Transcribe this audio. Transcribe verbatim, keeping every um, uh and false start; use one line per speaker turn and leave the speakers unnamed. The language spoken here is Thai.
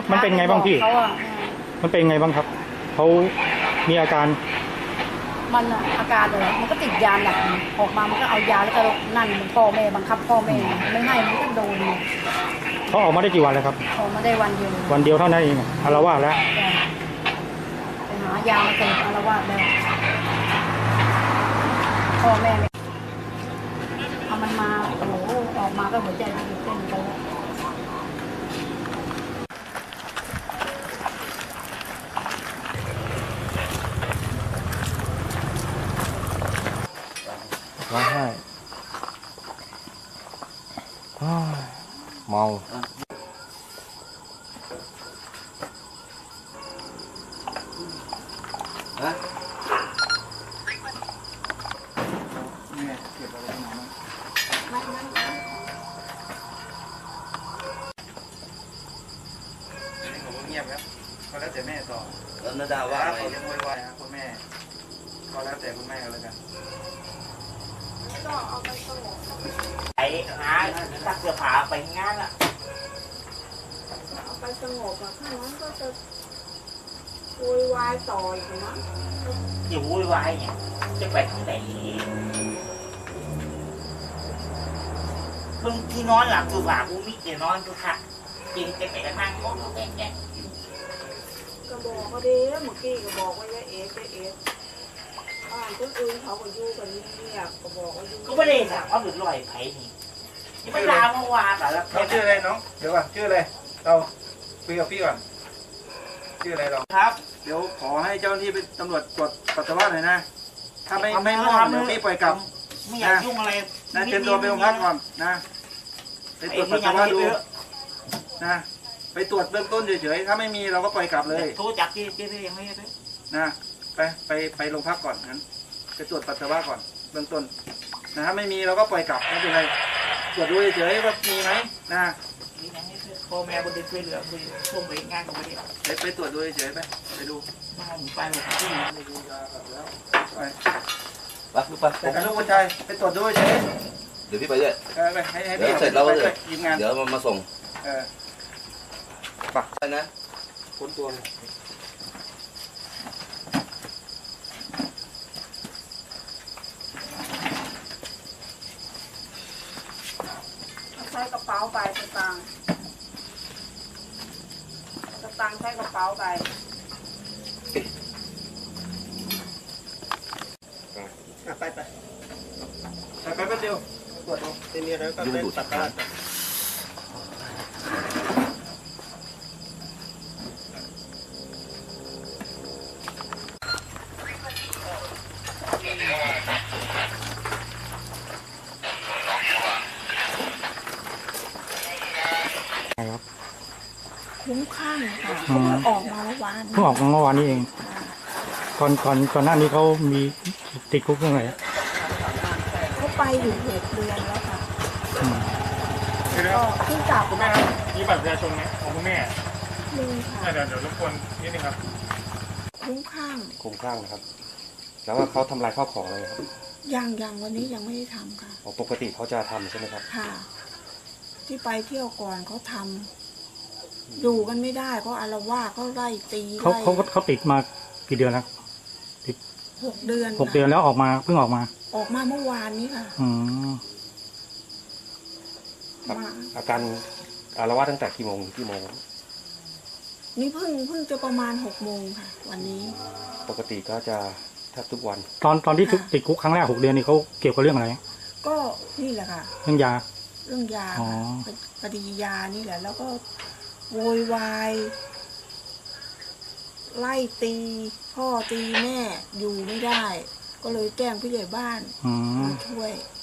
มันเป็นไงบ้างพี่มันเป็นไงบ้างครับเขามีอาการ
มันอาการเลยมันก็ติดยาหนักออกมามันก็เอายาแล้วก็นั่นพ่อแม่บังคับพ่อแม่ไม่ให้มันก็โดน
เขาออกมาได้กี่วันแล้วครับ
ออกมาได้วันเดียว
วันเดียวเท่านั้นเองอาละวาดแล้ว
ไปหายามาเสพอาละวาดแล้วพ่อแม่เอามันมาโอ้โหออกมาก็หัวใจหยุดเต้นไปแล้ว
ร้องไห้เมา
ฮะ
เงียบครับก็แล้วแต่แม่ต่อ
แล้วนาดาว่าอะไร
เขาจะโวยวายครับคุณแม่ก็แล้วแต่คุณแม่กันแล้วกัน
ไอ้หาตักเสื้อผ้าไปงานอ่ะ
เอาไปสงบอ่ะถ้างั้นก็จะโวยวายต่ออีกนะ
อย่าวุ่นวายเนี่ยจะไปทางไหนมึงที่นอนหลับตัวบ่ากูมิจะนอนตัวค่ะจริงจะไปนั่งมองตัวแก่
ก็บอกเขาดิเมื่อกี้ก็บอกว่าจะเอสจะเอสบ้านคนอื่นเขาก็อยู่กันเงียบก็บอกว่าอยู่
ก็ไม่ได้สั่งว่าหลุดลอยไผ่นี่ยังไม่ลาเมื่อวานแต่ละ
เราชื่ออะไรน้องเดี๋ยวก่อนชื่ออะไรเราคุยกับพี่ก่อนชื่ออะไรเรา
ครับ
เดี๋ยวขอให้เจ้าหน้าที่เป็นตำรวจตรวจปัสสาวะหน่อยนะถ้าไม่ไม่ม่วงเดี๋ยวพี่ปล่อยกลับ
ไม่อยากยุ่งอะไร
นะเตรียมตัวไปโรงพักก่อนนะไปตรวจปัสสาวะดูนะไปตรวจเบื้องต้นเฉยๆถ้าไม่มีเราก็ปล่อยกลับเลย
โทรจับที่ที่ยังไม่ได้
นะไปไปไปโรงพักก่อนงั้นไปตรวจปัสสาวะก่อนเบื้องต้นนะถ้าไม่มีเราก็ปล่อยกลับไม่เป็นไรตรวจดูเฉยๆว่ามีไหมนะ
พ่อแม่คนเด็กช่วยเหลือคือช่วงไปงานของไป
ไปไปตรวจดูเฉยๆไปไปดู
มาหมู่ไปหมู่ที่ไปดูยาแบบแล้ว
ไปไปลูกไปแต่กับลูกผู้ชายไปตรวจดูเฉย
เดี๋ยวพี่ไปด้วย
ไปให้ให้
เดี๋ยวเสร็จแล้วเดี๋ยว
ทีมงาน
เดี๋ยวมาส่ง
เออ
ปักใช่นะ
ค้นตัว
ใส่กระเป๋าไปสตางค์สตางค์ใส่กระเป๋าไป
ไปไปไปไปแป๊บเดียวตรวจดูที่นี่แล้วก็เป็นตัดตา
คุ้มข้างค่ะเพิ่งออกมาเมื่อวาน
เพิ่งออกมาเมื่อวานนี้เองก่อนก่อนก่อนหน้านี้เขามีติดคุกเรื่องอะไร
เขาไปอยู่หกเดือนแล้วค่ะก็เพิ่งกลับ
คุณแม่มีบัตรประชาชนไหมของคุณแม่
มีค่ะ
เดี๋ยวเดี๋ยวรบกวนนิดนึงครับ
คุ้มข้าง
คุ้มข้างนะครับแล้วว่าเขาทำลายข้าวของอะไรครับ
ยังยังวันนี้ยังไม่ได้ทำค่ะ
ปกติเขาจะทำใช่ไหมครับ
ค่ะที่ไปเที่ยวก่อนเขาทำอยู่กันไม่ได้เขาอารวาสเขาไล่ตี
เขาเขาเขาติดมากี่เดือนแล้วติด
หกเดือน
หกเดือนแล้วออกมาเพิ่งออกมา
ออกมาเมื่อวานนี้ค่ะ
อืม
อาการอารวาสตั้งแต่กี่โมงกี่โมง
นี่เพิ่งเพิ่งจะประมาณหกโมงค่ะวันนี้
ปกติก็จะแทบทุกวัน
ตอนตอนที่ติดคุกครั้งแรกหกเดือนนี่เขาเกี่ยวกับเรื่องอะไร
ก็นี่แหละค่ะ
เรื่องยา
เรื่องยาคดียานี่แหละแล้วก็โวยวายไล่ตีพ่อตีแม่อยู่ไม่ได้ก็เลยแจ้งผู้ใหญ่บ้านมาช่วย